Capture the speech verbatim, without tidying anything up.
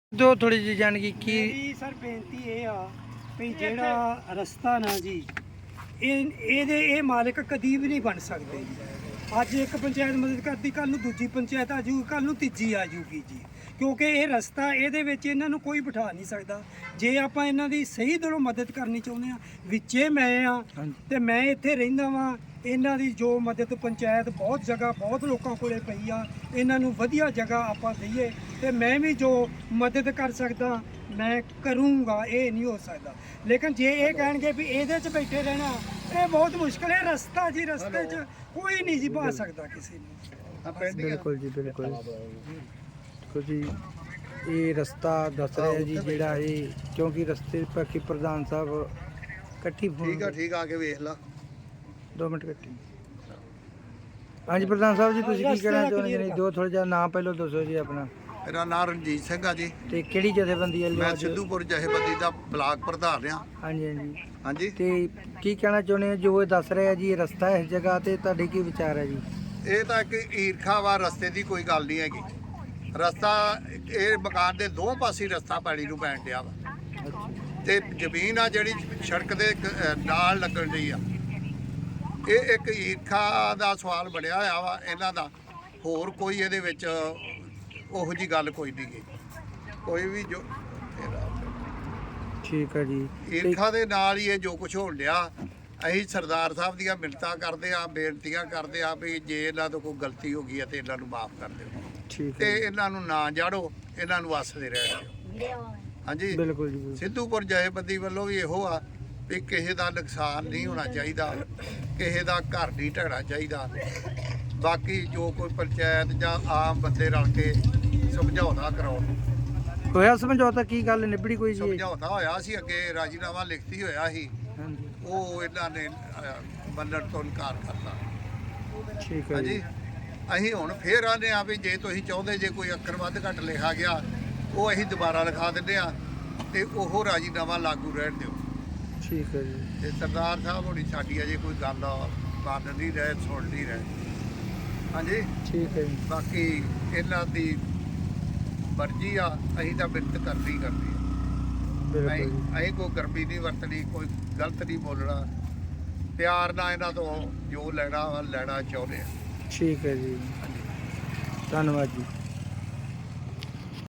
ਦੋ ਥੋੜੀ ਜਿਹੀ ਜਾਣਗੀ ਕੀ ਮੇਰੀ ਸਰ ਬੇਨਤੀ ਇਹ ਆ ਵੀ ਜਿਹੜਾ ਰਸਤਾ ਨਾ ਜੀ ਇਹ ਇਹਦੇ ਇਹ ਮਾਲਕ ਕਦੀ ਵੀ ਨਹੀਂ ਬਣ ਸਕਦੇ। ਅੱਜ ਇੱਕ ਪੰਚਾਇਤ ਮਦਦ ਕਰਦੀ, ਕੱਲ ਨੂੰ ਦੂਜੀ ਪੰਚਾਇਤ ਆ ਜੂਗੀ, ਕੱਲ ਨੂੰ ਤੀਜੀ ਆ ਜੂਗੀ ਜੀ, ਕਿਉਂਕਿ ਇਹ ਰਸਤਾ ਇਹਦੇ ਵਿੱਚ ਇਹਨਾਂ ਨੂੰ ਕੋਈ ਬਿਠਾ ਨਹੀਂ ਸਕਦਾ। ਜੇ ਆਪਾਂ ਇਹਨਾਂ ਦੀ ਸਹੀ ਦਿਲੋਂ ਮਦਦ ਕਰਨੀ ਚਾਹੁੰਦੇ ਆ, ਵਿੱਚੇ ਮੈਂ ਆ ਤੇ ਮੈਂ ਇੱਥੇ ਰਹਿੰਦਾ ਵਾਂ, ਇਹਨਾਂ ਦੀ ਜੋ ਮਦਦ ਪੰਚਾਇਤ ਬਹੁਤ ਜਗ੍ਹਾ ਬਹੁਤ ਲੋਕਾਂ ਕੋਲੇ ਪਈ ਆ, ਇਹਨਾਂ ਨੂੰ ਵਧੀਆ ਜਗ੍ਹਾ ਆਪਾਂ ਦਈਏ ਤੇ ਮੈਂ ਵੀ ਜੋ ਮਦਦ ਕਰ ਸਕਦਾ ਮੈਂ ਕਰੂੰਗਾ। ਇਹ ਨਹੀਂ ਹੋ ਸਕਦਾ, ਲੇਕਿਨ ਜੇ ਇਹ ਕਹਿਣਗੇ ਵੀ ਇਹਦੇ 'ਚ ਬੈਠੇ ਰਹਿਣਾ, ਇਹ ਬਹੁਤ ਮੁਸ਼ਕਲ ਹੈ। ਰਸਤਾ ਜੀ ਰਸਤੇ 'ਚ ਕੋਈ ਨਹੀਂ ਜੀ ਪਾ ਸਕਦਾ ਕਿਸੇ ਨੂੰ। ਬਿਲਕੁਲ ਜੀ ਬਿਲਕੁਲ ਦੇਖੋ ਜੀ ਇਹ ਰਸਤਾ ਦੱਸ ਰਿਹਾ ਜੀ ਜਿਹੜਾ ਇਹ, ਕਿਉਂਕਿ ਰਸਤੇ ਬਾਕੀ ਪ੍ਰਧਾਨ ਸਾਹਿਬ ਇਕੱਠੀ ਫੋਨ ਠੀਕ ਆ ਠੀਕ ਆ ਕੇ ਵੇਖ ਲਾ ਦੋ ਮਿੰਟ ਇਕੱਠੀ। ਹਾਂਜੀ ਪ੍ਰਧਾਨ ਸਾਹਿਬ ਜੀ ਤੁਸੀਂ ਕੀ ਕਹਿਣਾ ਚਾਹੁੰਦੇ ਜੀ? ਦੋ ਥੋੜਾ ਜਿਹਾ ਨਾਮ ਪਹਿਲਾਂ ਦੱਸੋ ਜੀ ਆਪਣਾ। ਮੇਰਾ ਨਾਮ ਰਣਜੀਤ ਸਿੰਘ ਆ ਜੀ, ਤੇ ਕਿਹੜੀ ਜਥੇਬੰਦੀ ਹੈ? ਮੈਂ ਸਿੱਧੂਪੁਰ ਜਥੇਬੰਦੀ ਦਾ ਬਲਾਕ ਪ੍ਰਧਾਨ ਆ। ਹਾਂਜੀ ਹਾਂਜੀ ਹਾਂਜੀ ਤੇ ਕੀ ਕਹਿਣਾ ਚਾਹੁੰਦੇ ਹੋ ਜੋ ਇਹ ਦੱਸ ਰਿਹਾ ਜੀ ਇਹ ਰਸਤਾ ਇਸ ਜਗ੍ਹਾ ਤੇ, ਤੁਹਾਡੇ ਕੀ ਵਿਚਾਰ ਹੈ ਜੀ? ਇਹ ਤਾਂ ਇੱਕ ਈਰਖਾ ਵਾ, ਰਸਤੇ ਦੀ ਕੋਈ ਗੱਲ ਨਹੀਂ ਹੈਗੀ। ਰਸਤਾ ਇਹ ਮਕਾਨ ਦੇ ਦੋ ਪਾਸੇ ਰਸਤਾ ਪਾਣੀ ਨੂੰ ਪੈਣ ਡਿਆ ਵਾ ਤੇ ਜ਼ਮੀਨ ਆ ਜਿਹੜੀ ਸੜਕ ਦੇ ਨਾਲ ਲੱਗਣ ਡਈ ਆ। ਇਹ ਇੱਕ ਈਰਖਾ ਦਾ ਸਵਾਲ ਬਣਿਆ ਹੋਇਆ ਵਾ ਇਹਨਾਂ ਦਾ, ਹੋਰ ਕੋਈ ਇਹਦੇ ਵਿੱਚ ਉਹੋ ਜੀ ਗੱਲ ਕੋਈ ਨਹੀਂ ਗੀ। ਕੋਈ ਵੀ ਜੋ ਠੀਕ ਹੈ ਜੀ, ਈਰਖਾ ਦੇ ਨਾਲ ਹੀ ਇਹ ਜੋ ਕੁਝ ਹੋਣ ਡਿਆ। ਅਸੀਂ ਸਰਦਾਰ ਸਾਹਿਬ ਦੀਆਂ ਮਿੰਨਤਾਂ ਕਰਦੇ ਆ, ਬੇਨਤੀਆਂ ਕਰਦੇ ਆ ਵੀ ਜੇ ਇਹਨਾਂ ਤੋਂ ਕੋਈ ਗਲਤੀ ਹੋ ਗਈ ਹੈ ਤੇ ਇਹਨਾਂ ਨੂੰ ਮਾਫ ਕਰ ਦਿਓ ਠੀਕ ਤੇ ਹੈ ਇਹਨਾਂ ਨੂੰ ਨਾ ਜਾੜੋ, ਇਹਨਾਂ ਨੂੰ ਵਸਦੇ ਰਹਿਣ ਦਿਓ। ਹਾਂਜੀ ਬਿਲਕੁਲ ਜੀ ਬਿਲਕੁਲ। ਸਿੱਧੂਪੁਰ ਜਥੇਬੰਦੀ ਵੱਲੋਂ ਵੀ ਇਹੋ ਆ ਵੀ ਕਿਸੇ ਦਾ ਨੁਕਸਾਨ ਨਹੀਂ ਹੋਣਾ ਚਾਹੀਦਾ, ਕਿਸੇ ਦਾ ਘਰ ਨਹੀਂ ਢਹਿਣਾ ਚਾਹੀਦਾ। ਬਾਕੀ ਜੋ ਕੋਈ ਪੰਚਾਇਤ ਜਾਂ ਆਮ ਬੰਦੇ ਰਲ ਕੇ ਸਮਝੌਤਾ ਕਰਾਉਣ। ਹੋਇਆ ਸਮਝੌਤਾ? ਕੀ ਗੱਲ ਨਿਬੜੀ ਕੋਈ ਜੀ? ਸਮਝੌਤਾ ਹੋਇਆ ਸੀ ਅੱਗੇ, ਰਾਜੀਨਾਮਾ ਲਿਖਤੀ ਹੋਇਆ ਸੀ, ਹਾਂਜੀ ਉਹ ਇਹਨਾਂ ਨੇ ਅਹ, ਮੰਨਣ ਤੋਂ ਇਨਕਾਰ ਕਰਤਾ। ਠੀਕ ਹੈ ਹਾਂਜੀ ਜੀ ਅਸੀਂ ਹੁਣ ਫੇਰ ਆਨੇ ਆ ਵੀ ਜੇ ਤੁਸੀਂ ਚਾਹੁੰਦੇ ਜੇ ਕੋਈ ਅੱਖਰ ਵੱਧ ਘੱਟ ਲਿਖਾ ਗਿਆ ਉਹ ਅਸੀਂ ਦੁਬਾਰਾ ਲਿਖਾ ਦਿੰਦੇ ਆ ਤੇ ਉਹ ਰਾਜੀਨਾਮਾ ਲਾਗੂ ਰਹਿਣ ਦਿਓ। ਠੀਕ ਹੈ ਜੀ ਤੇ ਸਰਦਾਰ ਸਾਹਿਬ ਹੋਣੀ ਸਾਡੀ ਅਜੇ ਕੋਈ ਗੱਲ ਮੰਨ ਨਹੀਂ ਰਹੇ, ਸੁਣ ਨਹੀਂ ਰਹੇ। ਹਾਂਜੀ ਠੀਕ ਹੈ ਜੀ ਬਾਕੀ ਇਹਨਾਂ ਦੀ ਮਰਜ਼ੀ ਆ, ਅਸੀਂ ਤਾਂ ਬਿਰਤ ਕਰਨੀ ਕਰਨੀ ਆ। ਬਿਲਕੁਲ ਅਸੀਂ ਜੀ ਅਸੀਂ ਕੋਈ ਗਰਮੀ ਨਹੀਂ ਵਰਤਣੀ, ਕੋਈ ਗਲਤ ਨਹੀਂ ਬੋਲਣਾ, ਪਿਆਰ ਨਾਲ ਇਹਨਾਂ ਤੋਂ ਜੋ ਲੈਣਾ ਵਾ ਲੈਣਾ ਚਾਹੁੰਦੇ ਆ। ਠੀਕ ਹੈ ਜੀ, ਧੰਨਵਾਦ ਜੀ।